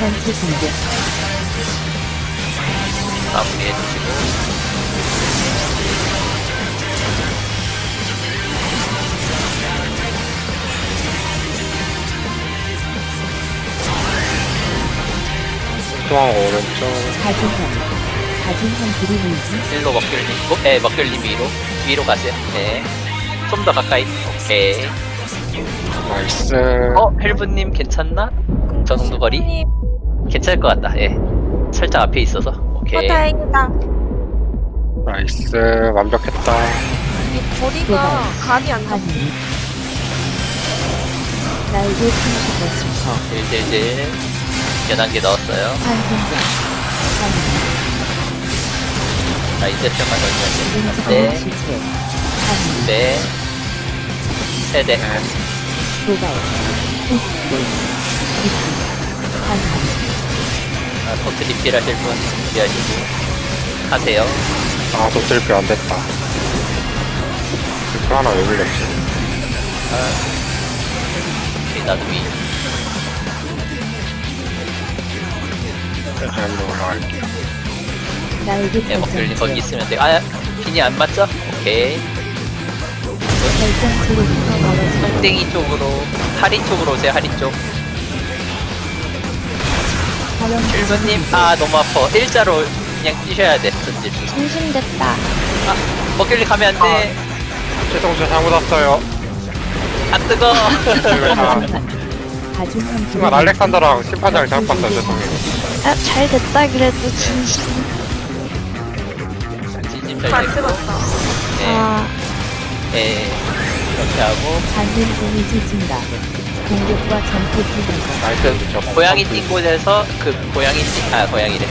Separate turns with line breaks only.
전투 공격.
마무리해주시고.
중앙 오른쪽.
가진한 그림이지.
일로 먹귤님 있고, 네, 먹귤님 위로 가세요. 네. 좀 더 가까이. 오케이.
나이스.
헬브님 괜찮나? 저 정도 거리?
님,
괜찮을 것 같다. 예. 살짝 앞에 있어서. 오케이.
다행이다.
나이스. 완벽했다.
이 거리가 간이 안 잡혀.
하니. 날개 풍수가 스퍼.
딜딜딜. 연한개 넣었어요.
환생자. 하니.
자, 이제 좀만 넣으면
인성의
네.
시체. 하니.
네. 세대.
도발. 흑불. 기품. 하니.
버트 리필 하실 분 준비하시고. 하세요.
아, 도틀비 안 됐다. 그 하나 왜 불렸지?
오케이, 나도 위.
일로 올라갈게요.
날개
네, 먹귤님 거기
발전체.
있으면 돼. 핀이 안 맞죠? 오케이.
발전체로부터 멀어져.
땡땡이 쪽으로, 하리 쪽으로 오세요, 하리 쪽.
화염.
일분님, 너무 아파. 일자로 그냥 뛰셔야 돼, 전질.
중심됐다.
먹귤님 가면 안 돼.
최동수 잘못 왔어요.
뜨거.
가중한
순간 알렉산더랑 심판장을 잘못 봤어요. 죄송해요.
아, 잘 됐다 그래도 진심.
진심 잘
잘
됐고.
들었다.
네,
아,
네. 이렇게 하고.
받는 데미지 증가. 공격과 전투 기능.
나이스. 저
고양이 띵 곳에서 고양이래.